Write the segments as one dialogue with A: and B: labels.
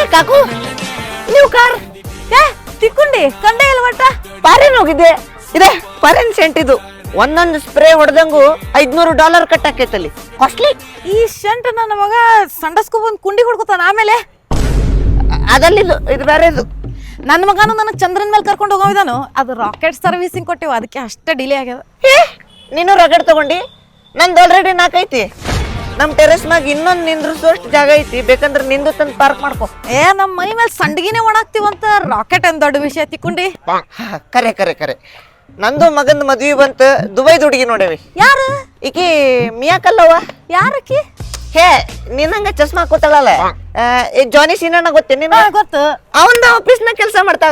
A: Cock ನೀವು car
B: ತಿಕ್ಕೊಂಡಿ ಕಂಡೆ ಇಲ್ಲ ಒಟ್ಟ
A: ಫಾರಿನ್ ಹೋಗಿದ್ದೆ ಇದೆ ಫಾರಿನ್ ಸೆಂಟ್ ಇದು ಒಂದೊಂದು ಸ್ಪ್ರೇ ಹೊಡೆದಂಗು $500 ಕಟ್ಟಾಕೈತಲ್ಲಿ ಕಾಸ್ಟ್ಲಿ.
B: ಈ ಶಂಟ್ ನನ್ನ ಮಗ ಸಂಡಸ್ಕೊ ಬಂದ್ ಕುಂಡಿ ಹೊಡ್ಕೊತಾನ ಆಮೇಲೆ
A: ಅದಲ್ಲಿದು ಇದು ಬೇರೆದು.
B: ನನ್ನ ಮಗನು ನನಗೆ ಚಂದ್ರನ್ ಮೇಲೆ ಕರ್ಕೊಂಡು ಹೋಗೋವಿದಾನು ಅದು ರಾಕೆಟ್ ಸರ್ವಿಸಿಂಗ್ ಕೊಟ್ಟಿವ ಅದಕ್ಕೆ ಅಷ್ಟೇ ಡಿಲೇ ಆಗ್ಯದ.
A: ನೀನು ರಗಡ್ ತಗೊಂಡಿ ನಂದು ಆಲ್ರೆಡಿ 4 ಐತಿ. ನಮ್ ಟೆರೆಸ್ ಮ್ಯಾಗ ಇನ್ನೊಂದು ನಿಂದ್ರಿಸೋಷ್ಟು ಜಾಗ ಐತಿ, ಬೇಕಂದ್ರೆ ನಿಂದು ತಂದು ಪಾರ್ಕ್ ಮಾಡ್ಕೊ.
B: ನಮ್ಮ ಮೈ ಮೇಲೆ ಸಂಡ್ಗಿನೇ ಒಣಾಕ್ತಿವಂತ ರಾಕೆಟ್ ಏನ್ ದೊಡ್ಡ ವಿಷಯ ತಿಕ್ಕೊಂಡಿ.
A: ಕರೆ ಕರೆ ಕರೆ ನಂದು ಮಗಂದು ಮದ್ವಿ ಬಂತ ದುಬೈದ ಹುಡುಗಿ ನೋಡೇವಿ.
B: ಯಾರು
A: ಈಕಿ ಮಿಯಾಕಲ್ಲವ.
B: ಯಾರಕ್ಕಿ?
A: ಹೇ ನಿನ್ನಂಗ ಚಸ್ಮಾ ಹಾಕೋತಾಳಲ್ಲ, ಜಾನಿ ಸೀನಣ್ಣ ಗೊತ್ತೇನ?
B: ಗೊತ್ತು.
A: ಅವಂದ ಆಫೀಸ್ ನ ಕೆಲಸ ಮಾಡ್ತಾಳ,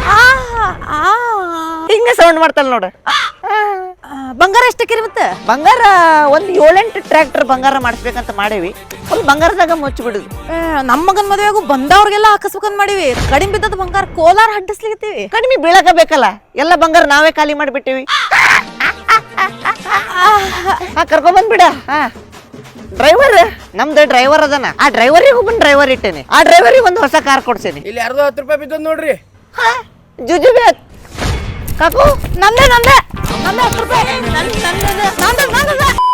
A: ಹಿಂಗ ಸೌಂಡ್ ಮಾಡ್ತಾಳ ನೋಡ.
B: ಬಂಗಾರ ಎಷ್ಟಕ್ಕಿರಿ ಮತ್ತೆ?
A: ಬಂಗಾರ ಒಂದ್ 7-8 ಟ್ರ್ಯಾಕ್ಟರ್ ಬಂಗಾರ ಮಾಡಿಸ್ಬೇಕಂತ ಮಾಡೇವಿ. ಫುಲ್ ಬಂಗಾರದಾಗ ಮುಚ್ಚಿ ಬಿಡುದು.
B: ನಮ್ಮ ಮಗನ್ ಮದುವೆಗೂ ಬಂದವ್ರಿಗೆಲ್ಲ ಹಾಕಿಸ್ಬೇಕಂತ ಮಾಡಿವಿ. ಕಡಿಮೆ ಬಿದ್ದದ ಬಂಗಾರ ಕೋಲಾರ ಹಡ್ಡಿಸ್ಲಿಕತ್ತೀವಿ.
A: ಕಡಿಮೆ ಬೀಳಕ ಬೇಕಲ್ಲ, ಎಲ್ಲ ಬಂಗಾರ ನಾವೇ ಖಾಲಿ ಮಾಡಿಬಿಟ್ಟಿವಿ. ಕರ್ಕೊಂಡ್ ಬಂದ್ಬಿಡ. ಡ್ರೈವರ್ ನಮ್ದು ಡ್ರೈವರ್ ಅದನ, ಆ ಡ್ರೈವರಿಗೆ ಒಬ್ಬನ್ ಡ್ರೈವರ್ ಇಟ್ಟೇನೆ, ಆ ಡ್ರೈವರಿಗೆ ಒಂದು ಹೊಸ ಕಾರ್ ಕೊಡ್ಸೇನಿ.
C: ಇಲ್ಲಿ ಯಾರ್ದೋ 10 ರೂಪಾಯಿ ಬಿದ್ದದ್ ನೋಡ್ರಿ.
A: ಜುಜುಬೆ ಕಾಕು
B: ನಂದೇ 10 ರೂಪಾಯಿ.